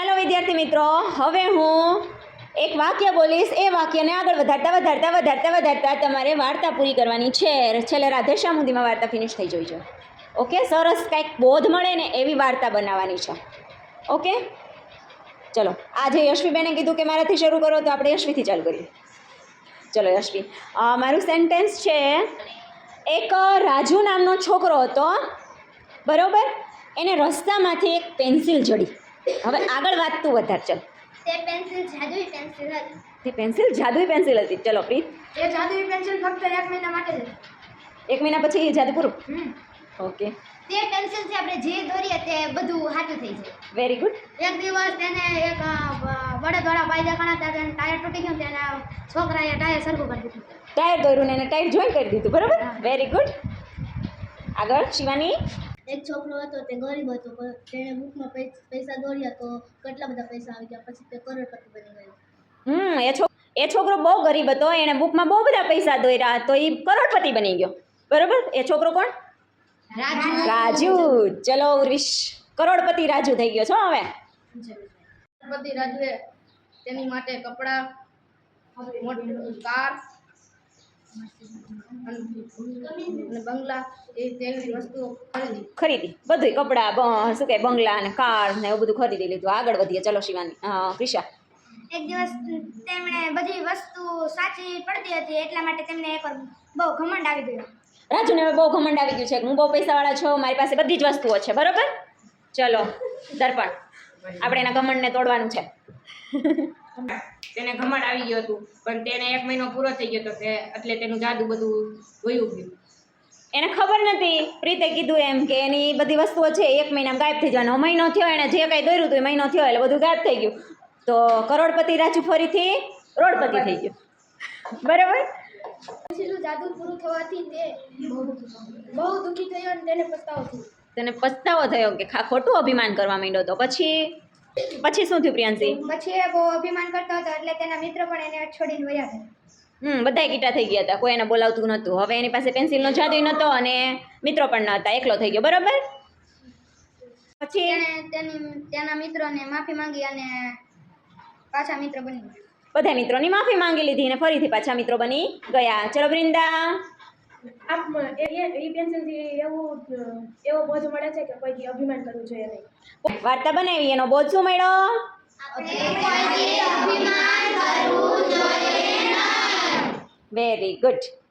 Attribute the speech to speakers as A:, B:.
A: ચાલો વિદ્યાર્થી મિત્રો, હવે હું એક વાક્ય બોલીશ. એ વાક્યને આગળ વધારતા તમારે વાર્તા પૂરી કરવાની છે. છેલ્લે રાધેશ્યામ સુધીમાં વાર્તા ફિનિશ થઈ જવી જોઈએ. ઓકે, સરસ કંઈક બોધ મળે ને એવી વાર્તા બનાવવાની છે. ઓકે, ચલો. આજે યશવીબેને કીધું કે મારાથી શરૂ કરો, તો આપણે યશવીથી ચાલુ કરીએ. ચલો યશવી, મારું સેન્ટેન્સ છે, એક રાજુ નામનો છોકરો હતો, બરોબર. એને રસ્તામાંથી એક પેન્સિલ જડી. હવે આગળ વાત તું વધાર. ચલ.
B: તે પેન્સિલ જાદુઈ પેન્સિલ હતી.
A: તે પેન્સિલ જાદુઈ પેન્સિલ હતી. ચલો પ્રીત.
B: એ જાદુઈ પેન્સિલ ફક્ત 1 મહિના માટે જ હતી.
A: 1 મહિના પછી જાદુ પૂરું. ઓકે.
B: તે પેન્સિલથી આપણે જે દોરીએ તે બધું સાચું થઈ જાય.
A: Very good.
B: એક દિવસ તેને એક બળદવાળા ભાઈ દેખાણા હતા, તેને ટાયર તૂટી ગયું, તેના છોકરાએ ટાયર સરખું કરી દીધું.
A: ટાયર દોર્યું ને એને ટાયર જોઈન કરી દીધું, બરોબર. Very good. આગળ શિવાની.
B: એક છોકરો હતો, તે ગરીબ હતો, તેણે બુકમાં પૈસા દોર્યા તો કેટલા બધા પૈસા આવી ગયા, પછી તે કરોડપતિ બની ગયો.
A: એ છોકરો બહુ ગરીબ હતો, એણે બુકમાં બહુ બધા પૈસા દોર્યા તો એ કરોડપતિ બની ગયો, બરોબર. એ છોકરો કોણ? રાજુ. ચલો ઉર્વિશ. કરોડપતિ રાજુ થઈ ગયો છો હવે.
B: કરોડપતિ રાજુએ તેની માટે કપડાં, મોટી કાર અને બંગલા તેવી વસ્તુઓ
A: ખરીદી. બધું કપડાં, શું કહે, બંગલા અને કાર ને એવું બધું ખરીદી લીધું. આગળ વધીએ. ચલો શિવાની. ક્રિશા.
B: એક દિવસ તેમણે બધી વસ્તુ સાચી પડતી હતી, એટલા માટે તેમને એકવાર બહુ ઘમંડ આવી ગયો.
A: રાજુને હવે બહુ ઘમંડ આવી ગયું છે કે હું બહુ પૈસાવાળા છું, મારી પાસે બધી જ વસ્તુઓ છે, બરોબર. ચલો દર્પણ, આપણે એના ઘમંડને તોડવાનું છે.
C: તેને ઘમંડ આવી ગયું હતું, પણ તેને 1 મહિનો પૂરો થઈ ગયો હતો એટલે તેનું જાદુ બધું વયું ગયું.
A: એને ખબર નથી, પ્રીતે કીધું એમ કે એની બધી વસ્તુઓ છે 1 મહિનામાં ગાયબ થઈ જવાનો. મહિનો થયો, એને જે કંઈ દોર્યું હતું એ મહિનો થયો એટલે બધું ગાયબ થઈ ગયું. તો કરોડપતિ રાજુ ફરીથી રોડપતિ થઈ ગયો, બરાબર.
B: પેન્સિલનું જાદુ પૂરું થવાથી તે બહુ દુઃખી થયો અને તેને પસ્તાવો થયો.
A: તેને પસ્તાવો થયો કે ખોટું અભિમાન કરવા માંડ્યો. તો પછી શું થયું પ્રિયાંશી?
B: પછી એ બહુ અભિમાન કરતો હતો એટલે તેના મિત્ર પણ એને છોડીને વયા ગયા.
A: બધા કીટા થઈ ગયા હતા, કોઈ એને બોલાવતું નહોતું. હવે એની પાસે પેન્સિલનો જાદુ નહોતો અને મિત્રો પણ ન હતા, એકલો થઈ ગયો, બરાબર. પછી
B: તેના મિત્રોને માફી માંગી અને પાછા મિત્ર બની ગયા.
A: બધા મિત્રોની માફી માંગી લીધી અને ફરીથી પાછા મિત્રો બની ગયા. ચલો વૃંદા.
D: એ પેન્સિલથી એવો બોધ મળે છે કે કોઈથી અભિમાન કરવું જોઈએ નહીં.
A: વાર્તા બનાવી, એનો બોધ શું મળ્યો? Very good.